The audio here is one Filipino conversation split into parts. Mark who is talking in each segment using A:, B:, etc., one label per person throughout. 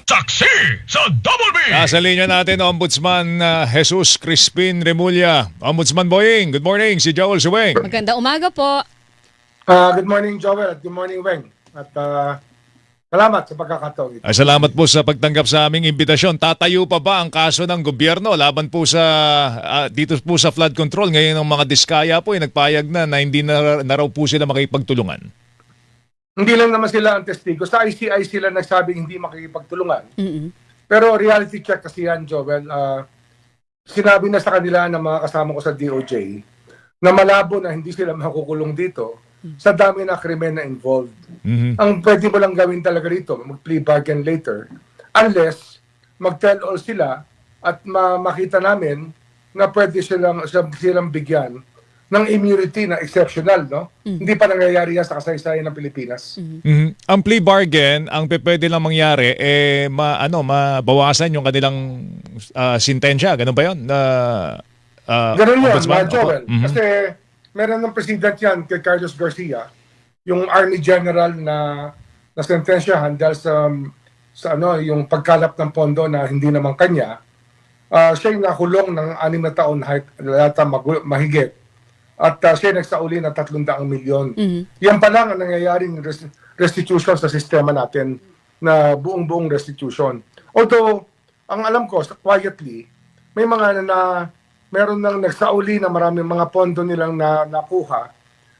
A: Saksi sa Double B!
B: Nasa linya natin, Ombudsman Jesus Crispin Remulla. Ombudsman Boying, good morning. Si Joel Suweng.
C: Maganda umaga po.
D: Good morning, Joel, at good morning, Weng. At salamat sa pagkakataon ito.
B: Salamat po sa pagtanggap sa aming imbitasyon. Tatayo pa ba ang kaso ng gobyerno laban po sa dito po sa flood control? Ngayon ang mga diskaya po ay nagpayag na hindi na raw po sila makipagtulungan.
D: Hindi lang naman sila ang testigo. Sa ICI sila nagsabing hindi makikipagtulungan.
C: Mm-mm.
D: Pero reality check kasi yan, Joel. Sinabi na sa kanila ng mga kasama ko sa DOJ na malabo na hindi sila makukulong dito sa dami na krimen na involved.
B: Mhm.
D: Ang pwede mo lang gawin talaga rito, mag-plea bargain later, unless mag-tell all sila at makita namin na pwede silang bigyan ng immunity na exceptional, no? Hindi pa nangyayari yan sa kasaysayan ng Pilipinas.
B: Mhm. Ang plea bargain, ang pwede lang mangyari mabawasan yung kanilang sintensya. Ganun ba 'yon?
D: Ganun yun,
B: Ombudsman?
D: Joel.
B: Opo. Mhm.
D: Kasi meron ng president yan kay Carlos Garcia, yung Army General na sentensyahan dahil sa yung pagkalap ng pondo na hindi naman kanya. Siya yung nakulong ng 6 na taon mahigit. At siya nagsauli ng 300 milyon. Yan pa lang ang nangyayaring restitution sa sistema natin na buong-buong restitution. Although, ang alam ko, quietly, may mga meron nang nagsauli na maraming mga pondo nilang nakuha,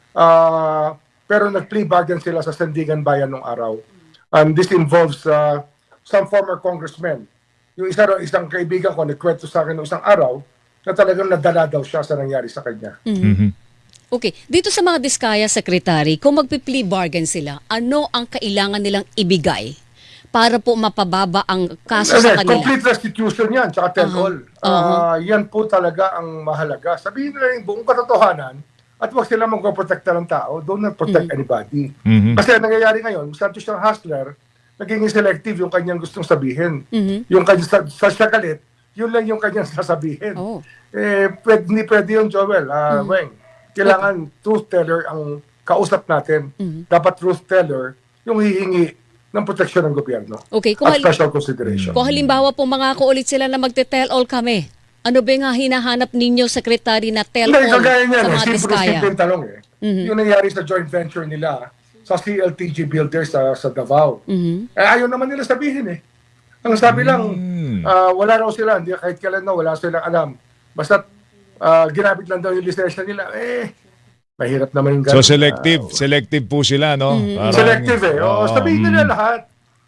D: pero nag-plea bargain sila sa Sandigan Bayan nung araw. And this involves some former congressmen. Yung isang kaibigan ko, nagkwento sa akin noong isang araw, na talagang nadala daw siya sa nangyari sa kanya.
B: Mhm.
C: Okay, dito sa mga diskaya, Secretary, kung magpi-plea bargain sila, ano ang kailangan nilang ibigay para po mapababa ang kaso sa kanila?
D: Complete restitution yan, tsaka tell all. Yan po talaga ang mahalaga. Sabihin nila yung buong katotohanan at huwag sila magpaprotekta ng tao. Don't protect anybody.
B: Mhm.
D: Kasi ang nangyayari ngayon, masyado siyang hustler, naging selective yung kanyang gustong sabihin. Yung kanyang sa siyakalit, yun lang yung kanyang sasabihin.
C: Oh.
D: Hindi pwede yun, Joel. Weng, kailangan truth teller ang kausap natin. Dapat truth teller yung hihingi ng proteksyon ng gobyerno.
C: Okay,
D: At special consideration.
C: kung halimbawa po mangako ulit sila na magte-tell all kami, ano ba yung hinahanap ninyo, Secretary, na tell
D: Hindi,
C: all
D: kagaya niyan.
C: sa mga diskaya?
D: Simple tanong Yung nangyari sa joint venture nila sa CLTG Builders sa Davao. Ayaw naman nila sabihin Ang sabi lang, wala raw sila, hindi kahit kailan wala silang alam. Basta ginamit lang daw yung lisensya nila, mahirap naman yung
B: So
D: ganun.
B: selective po sila, no? Parang,
D: Selective sabihin nila lahat.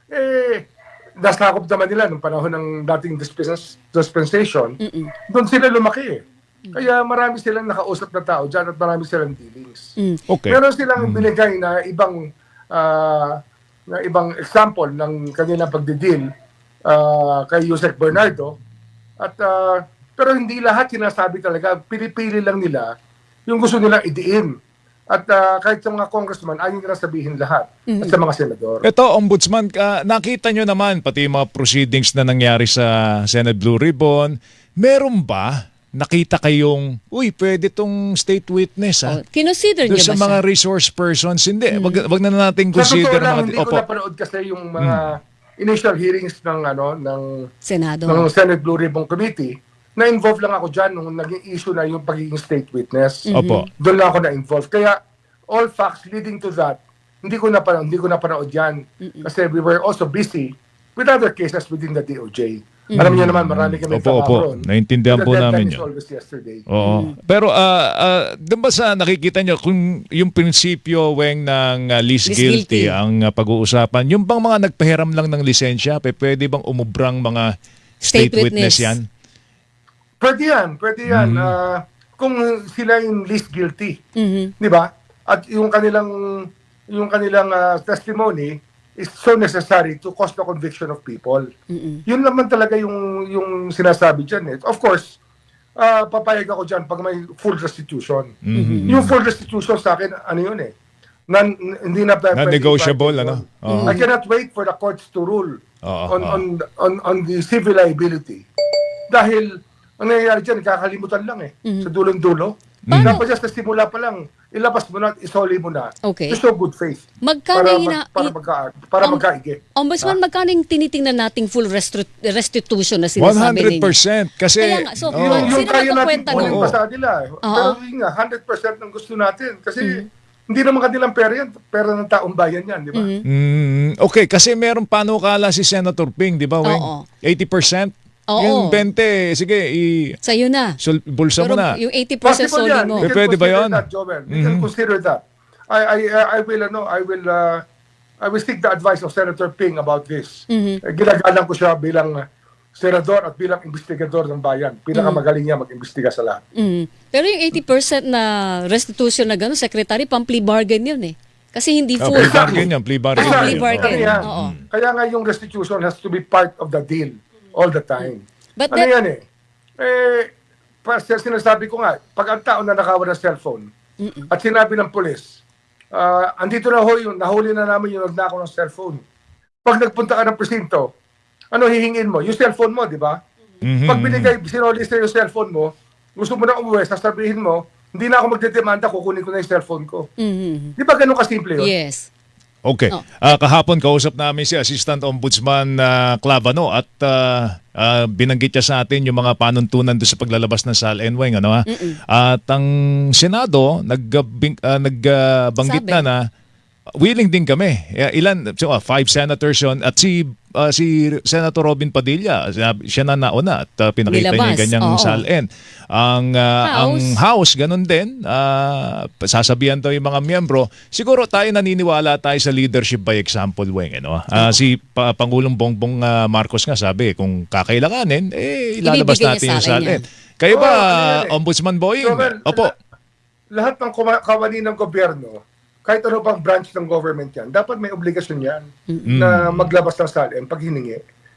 D: Nasakop naman nila nung panahon ng dating dispensation. Doon sila lumaki Kaya marami silang nakausap na tao dyan at marami silang dealings.
B: Okay.
D: Meron silang binigay na ibang example ng kanilang pagdideal kay Yusek Bernardo. At pero hindi lahat sinasabi talaga, pinipili lang nila yung gusto nilang idiin. At kahit sa mga congressman, ayaw nila sabihin lahat. At sa mga senador.
B: Ito, Ombudsman, nakita nyo naman pati yung mga proceedings na nangyari sa Senate Blue Ribbon. Meron ba nakita kayong, pwede tong state witness, ha?
C: Kinonsider
B: Doon
C: niyo
B: sa
C: ba
B: mga
C: siya?
B: resource persons, hindi. Wag na natin
D: Sa totoo
B: consider
D: lang,
B: mga...
D: hindi ko napanood kasi yung mga initial hearings ng
C: Senado.
D: Senate Blue Ribbon Committee. Na-involve lang ako dyan nung naging issue na yung pagiging state witness.
B: Opo.
D: Doon lang ako na-involve. Kaya all facts leading to that, hindi ko napanood yan. Kasi we were also busy with other cases within the DOJ. Alam niyo naman, marami kami
B: Opo. Naintindihan po namin
D: yun.
B: yun.
D: Always yesterday.
B: Oo. Pero doon ba sa nakikita nyo, kung yung prinsipyo, Weng, ng least
C: Least
B: guilty,
C: guilty.
B: ang pag-uusapan, yung bang mga nagpahiram lang ng lisensya, pwede bang umubrang mga
C: State
B: state witness
C: witness.
B: yan?
D: Pwede yan. Kung sila yung least guilty. Di ba? At yung kanilang testimony is so necessary to cause the conviction of people. Yun naman talaga yung sinasabi dyan. Of course, papayag ako dyan pag may full restitution. Yung full restitution sa akin, ano yun hindi na pwede.
B: Non-negotiable, ano? Oo.
D: I cannot wait for the courts to rule on the civil liability. Dahil, ang nangyayari dyan, kakalimutan lang sa dulong-dulo. Dapat just sa simula pa lang, ilabas mo na, isoli mo na.
C: Okay.
D: To show good faith.
C: Magkano
D: Para,
C: yung
D: para
C: Om-
D: magkaigi.
C: Ombudsman, magkano yung tinitingnan nating full restitution na sinasabi ninyo?
B: 100%. Kasi,
C: Kaya nga, so,
B: oo.
C: yung-
D: Yung
C: Sino
D: kaya natin
C: magkukwenta
D: kunin
B: nun?
D: pa sa kanila. Pero yun nga, 100% ng gusto natin. Kasi hindi naman kanilang pera yan. Pera ng taong bayan yan, di ba?
B: Okay, kasi meron panukala si Senator Ping, di ba, Weng?
C: Oo.
B: 80%?
C: Oo.
B: Yung 20, sige,
C: Sa'yo na.
B: bulsa mo
C: Pero
B: na.
C: yung 80%
D: Possible
C: soli
D: yan.
C: mo.
D: We can
B: Pwede ba
D: consider
B: yun?
D: that, Joel. We can consider that. I will seek the advice of Senator Ping about this. Ginagalang ko siya bilang senador at bilang investigador ng bayan. Pinakamagaling niya mag-imbestiga sa lahat.
C: Pero yung 80% na restitution na gano'n, Secretary, pang-plea bargain yun eh. Kasi hindi full.
B: Plea bargain yan, plea bargain.
C: Plea
B: yan.
C: bargain.
B: Oo.
D: Yan.
C: Oo.
D: Kaya nga yung restitution has to be part of the deal all the time.
C: But
D: Ano yan eh? Sinasabi ko nga, pag ang tao na nakawa ng cellphone at sinabi ng pulis, andito na ho yung, nahuli na namin yung nagnakaw ng cellphone. Pag nagpunta ka ng presinto, ano hihingin mo? Yung cellphone mo, di ba? Pag binigay, sinoli sa yung cellphone mo, gusto mo na umuwi, sasabihin mo, hindi na ako magdedemanda, kukunin ko na yung cellphone ko. Di ba ganun kasimple yun?
C: Yes.
B: Okay.
C: Oh.
B: Kahapon kausap namin si Assistant Ombudsman Clavano at binanggit niya sa atin yung mga panuntunan doon sa paglalabas ng SALN, Weng, ano ha? At ang Senado nagbanggit
C: Sabi.
B: na willing din kami. Ilan? 5 senators yun. At si Senator Robin Padilla, siya na nauna at pinakita niya
C: Nilabas,
B: yung ganyang
C: oo.
B: SALN. Ang House, ganun din. Sasabihan daw yung mga miyembro. Siguro tayo naniniwala tayo sa leadership by example, Weng. Ano? Si Pangulong Bongbong Marcos nga sabi, kung kakailanganin, ilalabas
C: Ibibigay
B: natin
C: niya
B: yung
C: sa akin
B: SALN.
C: yan.
B: Kayo ba,
D: Oo, ano yan eh.
B: Ombudsman Boying?
D: Joel,
B: Opo.
D: Lahat ng kawani ng gobyerno, kahit ano pang branch ng government yan, dapat may obligasyon yan na maglabas ng SALN pag hiningi.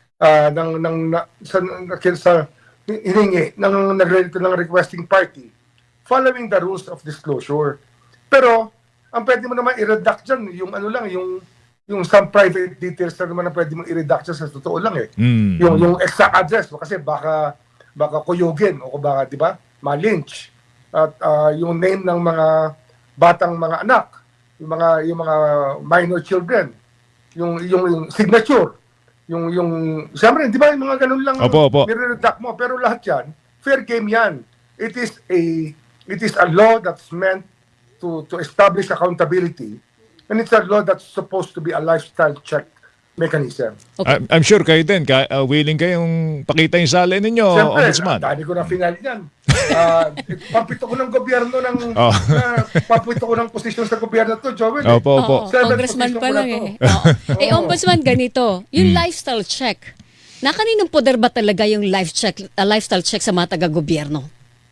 D: Sa hiningi ng requesting party following the rules of disclosure. Pero, ang pwede mo naman i-redact dyan, yung ano lang, yung some private details na naman na pwede mong i-redact dyan sa totoo lang eh. Yung exact address, kasi baka kuyugin o baka, di ba, ma-lynch. At yung name ng mga batang mga anak, yung mga minor children, yung signature, yung siyempre, di ba, yung mga ganun lang
B: Opo.
D: nire-redact mo, pero lahat yan, fair game yan. It is a law that's meant to establish accountability, and it's a law that's supposed to be a lifestyle check mechanism.
C: Okay.
B: I'm sure kayo din, willing kayong pakita yung SALN ninyo,
D: Siyempre,
B: Ombudsman.
D: dami ko na final yan. Pampito ko ng gobyerno pampito ko ng posisyon sa gobyerno to, Joel.
B: Opo.
C: Oo,
D: Seven
C: congressman
D: position
C: pa
D: ko na
C: lang
D: to.
C: eh. Oo. Ombudsman, ganito. Yung lifestyle check. Na kaninong poder ba talaga yung lifestyle check sa mga taga-gobyerno?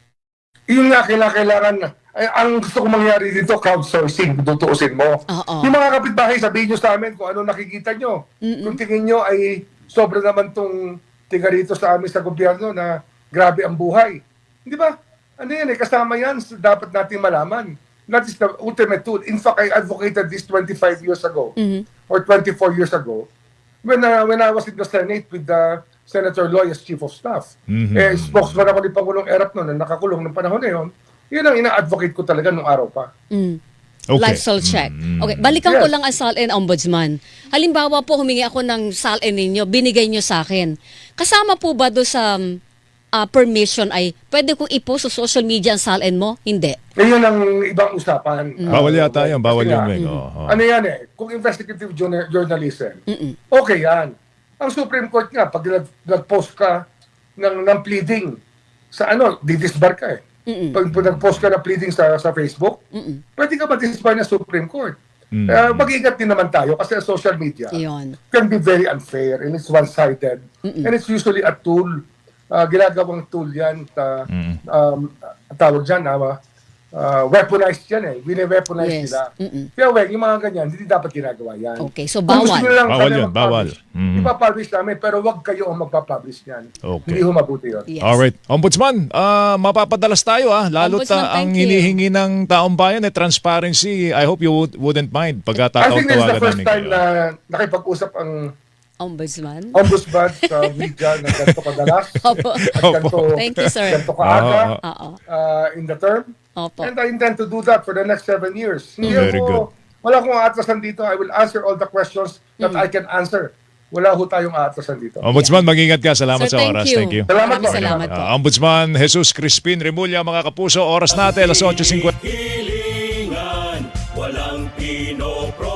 D: Yun nga, kailangan, ang gusto kong mangyari dito, crowdsourcing, tutuusin mo.
C: Oo.
D: Yung mga kapitbahay, sabihin nyo sa amin kung ano nakikita nyo. Kung tingin nyo ay sobra naman tong tiga rito sa amin sa gobyerno na grabe ang buhay. Di ba? Ano yan kasama yan, dapat natin malaman. That is the ultimate tool. In fact, I advocated this 25 years ago or 24 years ago when I was in the Senate with Senator Loy as Chief of Staff. Spokesman ako ni Pangulong Erap noon na nakakulong ng panahon na yun. Yun ang ina-advocate ko talaga nung araw pa.
B: Okay.
C: Lifestyle check. Okay, balikan ko
D: Yes.
C: lang ang SALN, Ombudsman. Halimbawa po, humingi ako ng SALN ninyo, binigay nyo sa akin. Kasama po ba do sa permission ay pwede kong i-post sa social media ang SALN mo? Hindi.
D: Yun ang ibang usapan.
B: Bawal yata yan, bawal
D: Kasi
B: yun,
D: nga,
B: Weng. Oo.
D: Ano yan kung investigative journalism, okay yan. Ang Supreme Court nga, pag nag-post ka ng pleading sa didisbar ka eh. Pag nag-post ka ng pleading sa Facebook, pwede ka ma-disbar ng Supreme Court. Mag-ingat din naman tayo kasi ang social media
C: Iyon.
D: can be very unfair and it's one-sided. And it's usually a tool. Ginagawang tool yan. Tawag dyan, weaponized yan eh. Wine-weaponize
C: Yes.
D: nila. Kaya yung mga ganyan, hindi dapat ginagawa yan.
C: Okay, so
D: Kung gusto
C: bawal.
D: nyo lang
B: Bawal
D: kami
B: yun, bawal.
D: mag-publish, ipapublish namin, pero wag kayo ang magpapublish yan.
B: Okay.
D: Hindi ho mabuti yun.
C: Yes.
B: Alright. Ombudsman, mapapadalas tayo lalo't
C: Ombudsman,
B: ang
C: thank you.
B: hinihingi ng taong bayan transparency. I hope you wouldn't mind
D: I think this is the
B: pagkatawagan
D: first
B: namin
D: time
B: kayo.
D: na nakipag-usap ang
C: Ombudsman.
D: ombudsman sa media na ganito kadalas
C: Opo.
D: at ganito,
C: Thank you, sir.
D: ganito kaaga
C: Oo.
D: in the term.
C: Opo.
D: And I intend to do that for the next 7 years. Hindi
B: Very
D: ako, wala akong atrasan dito. I will answer all the questions that I can answer. Wala ho tayong atrasan dito.
B: Ombudsman, mag-ingat ka. Salamat
C: Sir,
B: sa oras. Thank you.
D: Salamat
C: Maraming
D: po.
C: salamat po.
B: Ombudsman Jesus Crispin Remulla, mga kapuso, oras natin, alas 8:50.
E: Hilingan, walang pinopro.